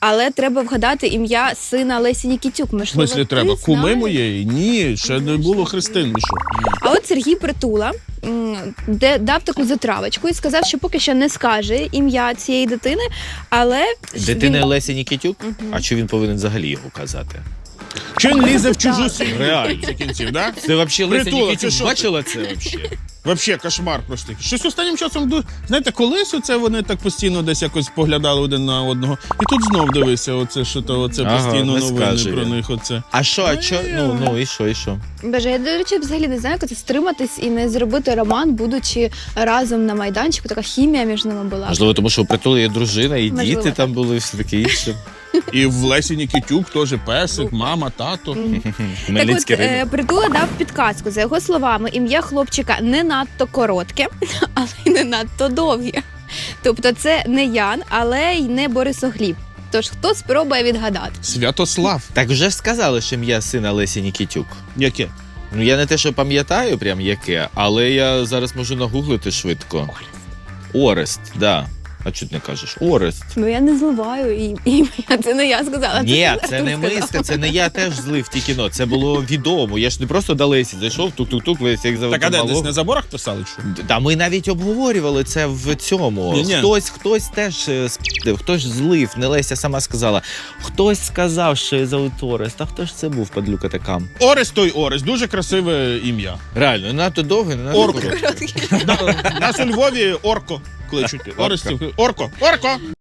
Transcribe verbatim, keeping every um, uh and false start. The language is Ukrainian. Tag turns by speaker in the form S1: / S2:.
S1: Але треба вгадати ім'я сина Лесі Нікітюк.
S2: В
S1: Можливо,
S2: смислі
S1: ти
S2: треба? Куми
S1: знаєш?
S2: моєї? Ні, ще не було Христин. Ви що?
S1: А от Сергій Притула м, де дав таку затравочку і сказав, що поки що не скаже ім'я цієї дитини, але
S3: Дитина
S1: він...
S3: Лесі Нікітюк? А чи він повинен взагалі його казати?
S2: Чи він лізе в чужу
S1: Так.
S2: сім'ю?
S3: Реально.
S2: За кінців, да?
S3: Це взагалі Леся
S2: Притула, це
S3: Нікітюк
S2: що
S3: бачила це взагалі?
S2: Вообще кошмар просто. Щось останнім часом, ду- знаєте, колись оце вони так постійно десь якось поглядали один на одного. І тут знов дивися, оце, що то, оце
S3: Ага,
S2: постійно
S3: не
S2: новини
S3: скаже
S2: про
S3: він.
S2: них. Оце.
S3: А що, а що? Ну, ну, і що, і що?
S1: Боже, я, до речі, взагалі не знаю, як це стриматись і не зробити роман, будучи разом на майданчику. Така хімія між ними була.
S3: Можливо, тому що у Притули є дружина, і
S1: Можливо,
S3: діти
S1: так.
S3: там були, все таке інше.
S2: І в Лесі Нікітюк теж песик, мама, тато.
S1: Так
S3: Хмельницький
S1: от, е,
S3: ринок.
S1: Притула дав підказку. За його словами, ім'я хлопчика не надто коротке, але й не надто довге. Тобто це не Ян, але й не Борисогліб. Тож хто спробує відгадати?
S2: Святослав.
S3: Так вже ж сказали, що ім'я сина Лесі Нікітюк.
S2: Яке?
S3: Ну, я не те, що пам'ятаю прям яке, але я зараз можу нагуглити швидко. Орест, да. А чого ти не кажеш? Орест.
S1: Ну я не зливаю і- ім'я, це не я сказала.
S3: Ні,
S1: Артур
S3: це не
S1: сказав.
S3: миска, це не я теж злив ті кіно. Це було відомо. Я ж не просто до Лесі зайшов, тук-тук-тук, Лесі, як завжди.
S2: Так, а де, десь
S3: малого.
S2: на заборах писали? Що?
S3: Та ми навіть обговорювали це в цьому.
S2: Ні-ні.
S3: Хтось, хтось теж е, спів, хтось злив, не Леся сама сказала. Хтось сказав, що я зовут Орест, а хто ж це був, падлюка така?
S2: Орест той Орест, дуже красиве ім'я.
S3: Реально, не надто довге, не надто
S2: Орко.
S3: коротке.
S2: Нас у Львові Орко кличуть. Орестів. Орко. Орко!